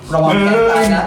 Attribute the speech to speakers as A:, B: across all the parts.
A: ระวังแขนตายนะ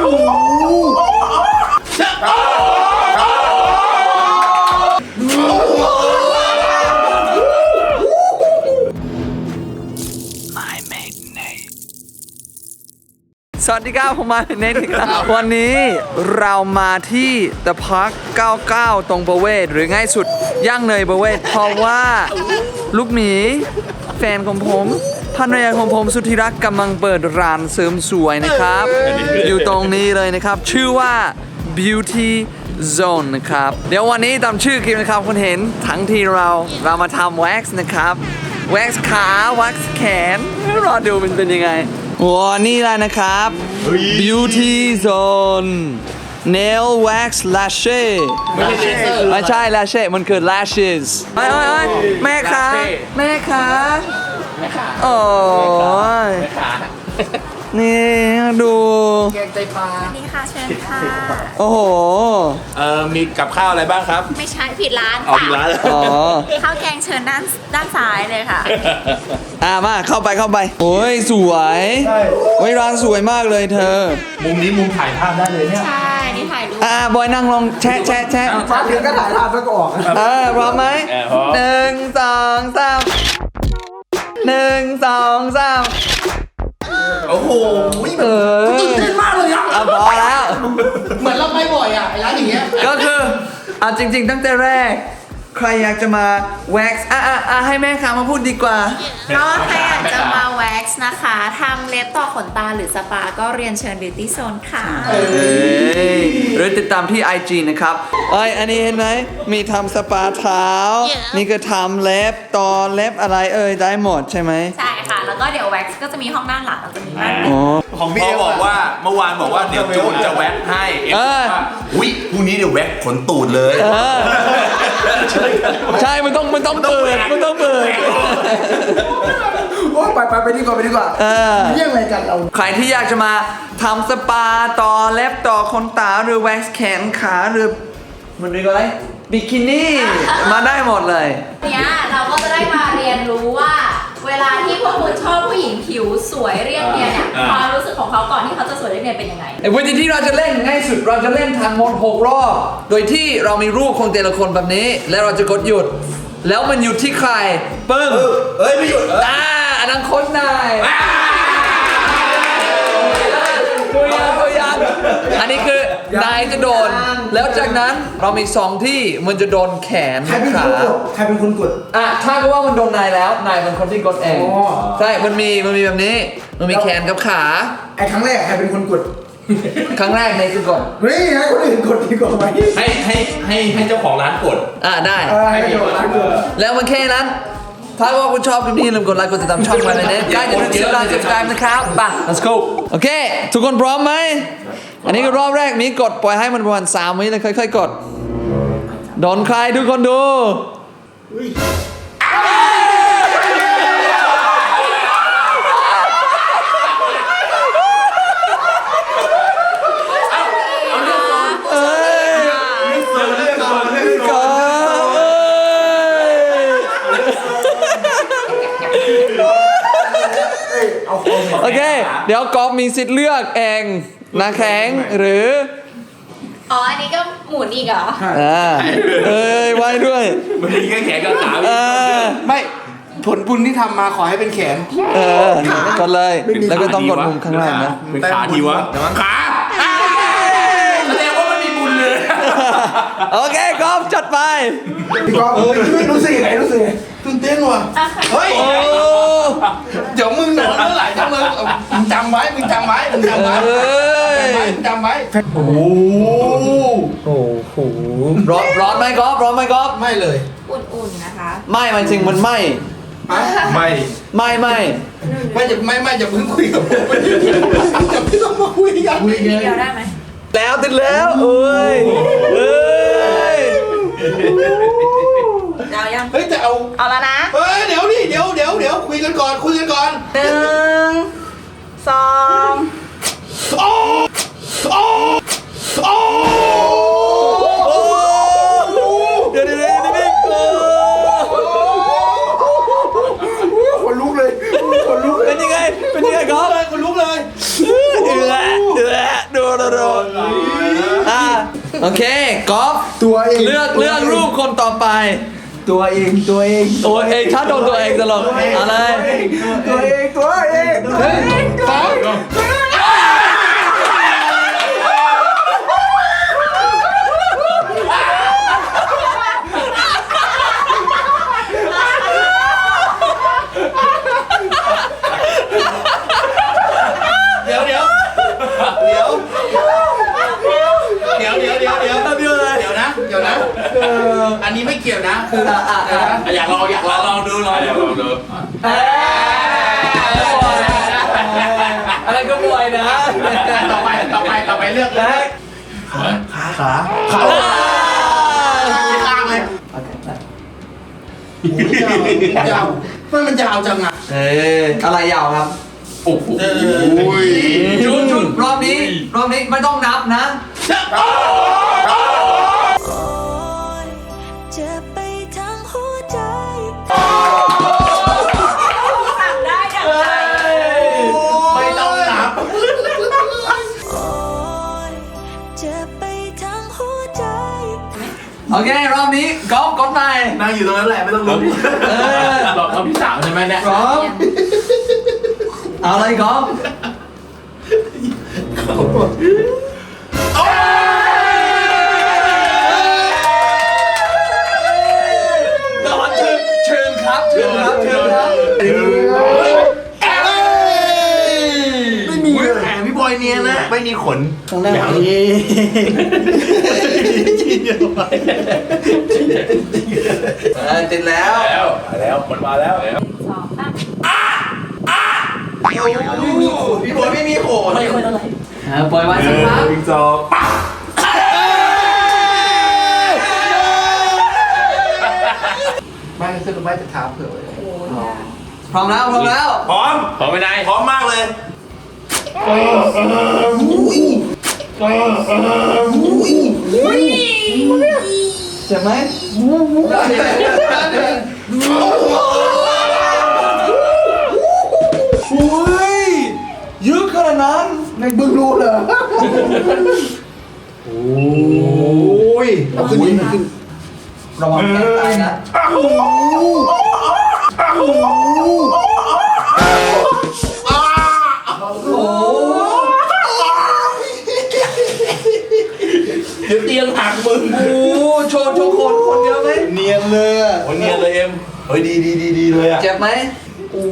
A: สวัสดีครับผมมาเนทครับวันนี้เรามาที่ The Park 99 ตรงประเวศหรือง่ายสุดย่างเนยประเวศเพราะว่าลูกหมีแฟนของผมภรรยาของผมสุดที่รักกำลังเปิดร้านเสริมสวยนะครับ อยู่ตรงนี้เลยนะครับชื่อว่า Beauty Zone นะครับเดี๋ยววันนี้ตามชื่อคลิปนะครับคุณเห็นทั้งที่เรามาทำแว็กซ์นะครับแว็กซ์ขาแว็กซ์แขนรอดูมันเป็นยังไงว้านี่แหละนะครับ Beauty Zone Nail Wax Lashes ไม่ใช่ Lashes มันคือ Lashes เฮ้ยแม่คะแม่คะโอ้ยนี่ดูแกงไตปลา
B: นี่ค่ะเชิญค่ะ
A: โอ้โห
C: มีกับข้าวอะไรบ้างครับ
B: ไม่ใช่ผิดร้าน
C: อ๋อ
B: ค่ะ
C: ผิดร้าน
A: อ๋อ
B: ข้าวแกงเชิญด้านซ้ายเลยค่ะ
A: มาเข้าไปโอ้ยสวยโอ้ยร้านสวยมากเลยเธอ
C: มุมนี้มุมถ่ายภาพได้เลยเนี่ย
B: ใช่ นี่ถ่ายรูป
A: บอยนั่งลงแชะ
D: มาถึงก็ถ่ายภาพแล้วก็ออก
A: พร้อมไหม1 2 3 1 2 3
C: โอ้โห
D: ตื่นเต้นมากเลยอ่ะ
A: พอแล้ว
D: เหมือนเราไปบ่อยอ่ะไอ้ร้านอย่างเงี้ย
A: ก็คือจริงๆตั้งแต่แรกใครอยากจะมาแว็กซ์ให้แม่ค้ามาพูดดีกว่า
B: ก็ใครอยากจะมาแว็กซ์นะคะทำเล็บต่อขนตาหรือสปาก็เรียนเชิญ Beauty Zone ค่ะ
A: หรือติดตามที่ IG นะครับอันนี้เห็นไหมมีทำสปาเท้า นี่ก็ทำเล็บต่อเล็บอะไรได้หมดใช่ไหม
B: ใช่ค่ะ แล้วก็เดี๋ยวแว็กซ์ก็จะมีห้องด้านหลังแล้วจะมีบ้าน
C: ของพี่บอกว่าเมื่อวานบอกว่าเดี๋ยวจูนจะแว็กให้ว่าอุ้ยพรุ่งนี้เดี๋ยวแว็กขนตูดเลย
A: ใช่มันต้องเปิด
D: โอ้ไปดีกว่าเรื่องอะไรกันเรา
A: ใครที่อยากจะมาทำสปาต่อเล็บต่อขนตาหรือแว็กซ์แขนขาหรือมันเรียกว่าอะไรบิกินี่มาได้หมดเลย
B: เนี้ยเราก็จะได้มาเรียนรู้ว่า เวลาที่พวกคุณชอบผู้หญิงผิวสวยเรียบเนียนเนี่ยความรู้สึกของเขาก่อนที่เขาจะสวยเรียบเนียนเป็นยังไง
A: วิธีที่เราจะเล่นง่ายสุดเราจะเล่นทั้งหมด6 รอบโดยที่เรามีรูปของแต่ละคนแบบนี้แล้วเราจะกดหยุดแล้วมันหยุดที่ใครปึ้ง
C: ไม่หยุด
A: อันนั้นโค้ชนายตัวอย่างอันนี้คือนายจะโดนแล้วจากนั้นเรามี2ที่มันจะโดนแขนขา
D: ใครเป็นคนกด
A: ถ้าก็ว่ามันโดนนายแล้วนายเป็นคนที่กดเองใช่มันมีแบบนี้มันมีแขนกับขา
D: ไอ้ครั้งแรกใครเป็นคนกด
A: ครั้งแรกนายคือกด
D: เฮ้ยให้คนอื่นกดดีกว่าไหม
C: ให้เจ้าของร้านกด
A: ได้
D: ให้เจ้าของร้านกด
A: แล้วมันแค่นั้นถ้าว่าคุณชอบคลิปนี้ลืมกดไลค์กดติดตามช่องมาเลยนะใกล้จะถึง10 ล้าน subscribe นะครับไป let's go โอเคทุกคนพร้อมไหมอันนี้ก็รอบแรกมีกดปล่อยให้มันประมาณ3 วิแล้วค่อยๆกดโดนใครทุกคนดูโอเคเดี๋ยวกอล์ฟมีสิทธิ์เลือกเองนะแข็งหรือ
B: อันนี้ก็หมุนอีกเหรอ
A: ไว้ด้วย
C: มันมีแค่แขนกับขา
D: ไม่ผลบุญที่ทำมาขอให้เป็นแขน
A: กดเลยแล้วก็ต้องกดมุมข้างล่างนะ
C: เป็นขาทีวะขาแสดงว่ามันมีบุญเลย
A: โอเคกอล์ฟจัดไป
D: พี่กอล์ฟไม่รู้สึกตื่นเต้นว่ะเฮ้ยเดี๋ยวมึงโดนเมื่อไหร่ถ้ามึงจำไว้โอ้โห
A: ร้อนไหมกอล์ฟ
D: ไม่เลย
B: อุ่นๆนะคะ
A: ไม่มันจริงมันไม่
D: จะมึงคุยกับผมจะไม่ต้องมาคุยกัน
B: เดียวได้ไหม
A: แล้วติดแล้ว
D: เฮ้ยจะ
B: เอาแล้วนะ
D: เดี๋ยวคุยกันก่อน1 2
A: เดี๋ยว
D: คนลุกเลย
A: เป็นยังไงก๊อฟ
D: คนลุกเลย
A: โอเคกอล์ฟ
D: ตัวเอง
A: เลือกรูปคนต่อไป
D: ตัวเองตัวเอง
A: ตัวเองถ้าโดนตัวเองตลกอะไร
D: ตัวเองตัวเอง
A: หนึ่งสอง
E: เดี๋ยวนะ อันนี้ไม่เกี่ยวนะ คืออยากลองดู
A: อะไรก็บวยนะ
E: ต่อไปเลือกเลย
D: ขาขา
E: ข้างเลยยาวมันยาวจังอ่ะ
A: อะไรยาวครับ
E: โอ้โห
A: จุดรอบนี้ไม่ต้องนับนะ
F: จะไปทั้งหัวใจ
B: สั่งได้ดังใจ
E: ไม่ต้องนับ
F: โอ้ยจะไปทั้งหัวใจ
A: โอเครอบนี้กอล์ฟกดไป
C: นั่งอยู่ตรงนั้นแหละไม่ต้องลุก
E: รอบที่3ใช่ไหมเนี่ย
A: พร้อมเอาเลยกอล์ฟเชิญครับ
D: ไม่มีเลย
C: แขนพี่บอยเนียนนะไม่มีขน
D: ตรงหน้านี้
A: ติดแล้ว
E: มันมาแล้ว
B: สองสาม
D: พี่บอยไม่มีโขน
A: ปล่อยไว้สักพัก
C: จอ
D: ไม่ขึ้นไม่จะท้าเผื่อไว้
A: พร้อมแล้ว
C: พร้อมไปไหนพร้อมมากเลย
A: เจ็บไหมอุ้ยเยอะขนาดนั้น
D: ในบึงรู้เหรอโอ้ยเอาขึ้นนี่ขึ้น
A: ระวังแขนตายนะโอ้
E: เดี๋ยวเตียงหักมึง
A: โหโชว์คนเยอะไหม
D: เนียนเลยอ่ะ
C: โอ้ยเนียนเลยเอ็มเฮ้ยดีเลยอ่ะ
A: เจ็บไหมโอ้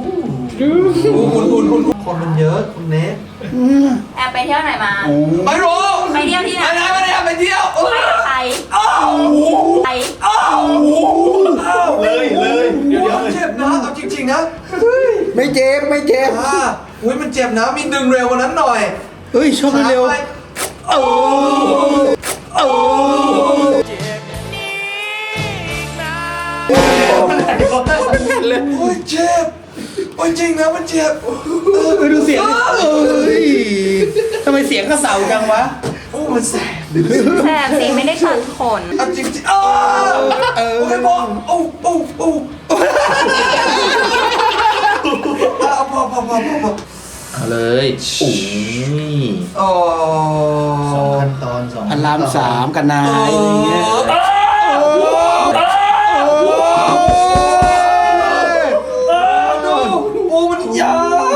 A: คุณคนมันเยอะคุณเนส
B: แอบไปเที่ยวไหนมา
A: ไม่รู้
B: ไปเที่ยวที่ไหน
A: ไม่ได้ไปเที่ยว
B: ไปกับใครไป
C: เลยเดี๋ยว
A: เจ็บนะเอาจริงๆนะ
D: ไม่เจ็บไม่เจ็บ
A: อุ้ยมันเจ็บนะมีดึงเร็วกว่านั้นหน่อย
D: เฮ้ยชอบเร็ว
A: โอ้โอ้โอ้ยเจ็บโอ้ยจริงนะมันเจ็บ
D: ดูเสียงเอ้ยทำไมเสียงกระเสาจังวะ
A: โอ้มันแสบ
B: แสบสิไม่ได้ตัดขน
A: เอาจริงๆโอ้ยบอกโอ้พอ
E: เอาเลยโอ้ย
A: โอ้
D: ขั้นตอน2 พระราม 3กันนายอะไรเงี้ย
A: โอ้มันยาว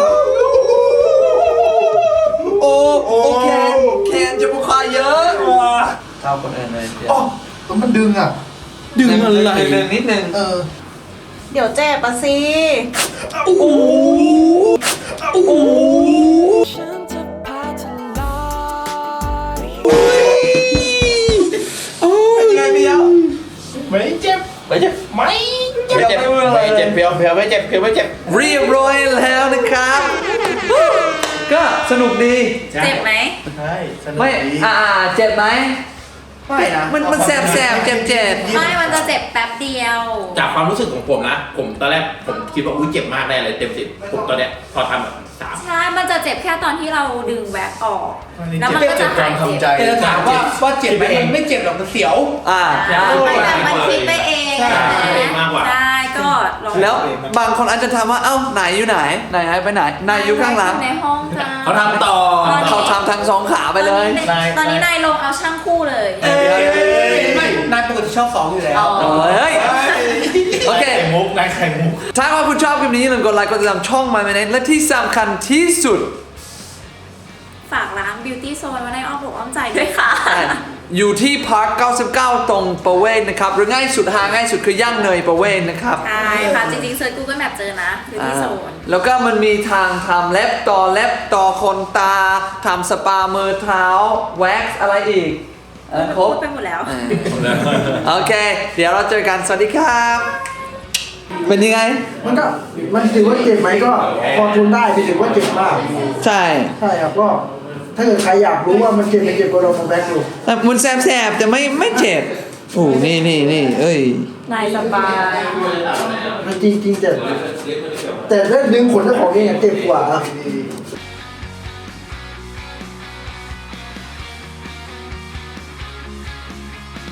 A: โอ้แคนจะบุคคาเยอะเท่าคนอื่นเลย
D: อ๋อมันดึงอ่ะ ดึงอะไร
A: นิดนึง
F: เดี๋ยวเจ็บปะสิ ฉันจะพาเธอลอย
A: เป็นไงพี่ยาว
E: ไม่เจ็บไม่เจ็บเพียวไม่เจ็บ
A: เรียบร้อยแล้วนะครับ ก็สนุกดี
B: เจ็บไหม
D: ใช่สนุก
A: ไม่
D: ดี
A: เจ็บไหม
D: ไม่นะ
A: มันแสบเจ็บ
B: ไม่มันจะเจ็บแป๊บเดียว
E: จากความรู้สึกของผมนะ ผมตอนแรกผมคิดว่าอุ้ยเจ็บมากได้เลยเต็ม10ผมตอนเนี้ยพอทำแบบ3
B: ใช่ มันจะเจ็บแค่ตอนที่เราดึงแว็กออก แล้วมันก็จะหายเจ็บ
D: จะถามว่าเจ็บไหมมันไม่เจ็บหรอกมันเสียว
A: ใช่
B: แต่มันคิดไปเอง
E: ใช่
B: ใช่ไหม
E: มากกว่า
B: ใช่ก็ลอง
A: แล้วบางคนอาจจะถามว่าเอ้าไหนอยู่ไหนไหนหายไปไหนนายอยู่ข้างหลัง
B: ในห้องจ้า
C: เขาทำต่อ
A: เขาทำทั้งสองขาไปเลย
B: ตอนนี้นายลงเอาช่างคู่เลย
D: ไม่นายปกติชอบ2อยู่แล้ว
A: เฮ้ยโอเค
E: ไข่มุกนายไข่มุก
A: ถ้าว่าคุณชอบคลิปนี้อย่าลืมกดไลค์กดติดตามช่อง My Minute และที่สำคัญที่สุด
B: ฝากร้าน Beauty Zone ไว้ในอ้อมอกอ้อมใจด้วยค่ะ
A: อยู่ที่พาร์ค 99 ตรงประเวศนะครับ หรือง่ายสุดหาง่ายสุดคือย่างเนยประเวศนะครับ
B: ใช่ค่ะ จริงๆเซิร์ช Google Map เจอนะ Beauty Zone
A: แล้วก็มันมีทางทำเล็บต่อขนตาทำสปามือเท้าแว็กซ์อะไรอีกครบ
B: พูดไปหมดแล้ว
A: โอเค เดี๋ยวเราเจอกัน สวัสดีครับ เป็นยังไง
G: มันถือว่าเจ็บไหมก็พอทนได้ไม่ถือว่าเจ็บมาก
A: ใช่
G: ใช่ครับก็ถ้าเกิดใครอยากรู้ว่ามันเจ็บไม่เจ็บก็ลองมาแบกดู
A: แต่มันแสบๆแต่ไม่เจ็บ โอ้นี่เอ้ย
B: นายสบาย
G: มันจริงแต่ถ้าดึงขนเจ้าของเองอะเจ็บกว่า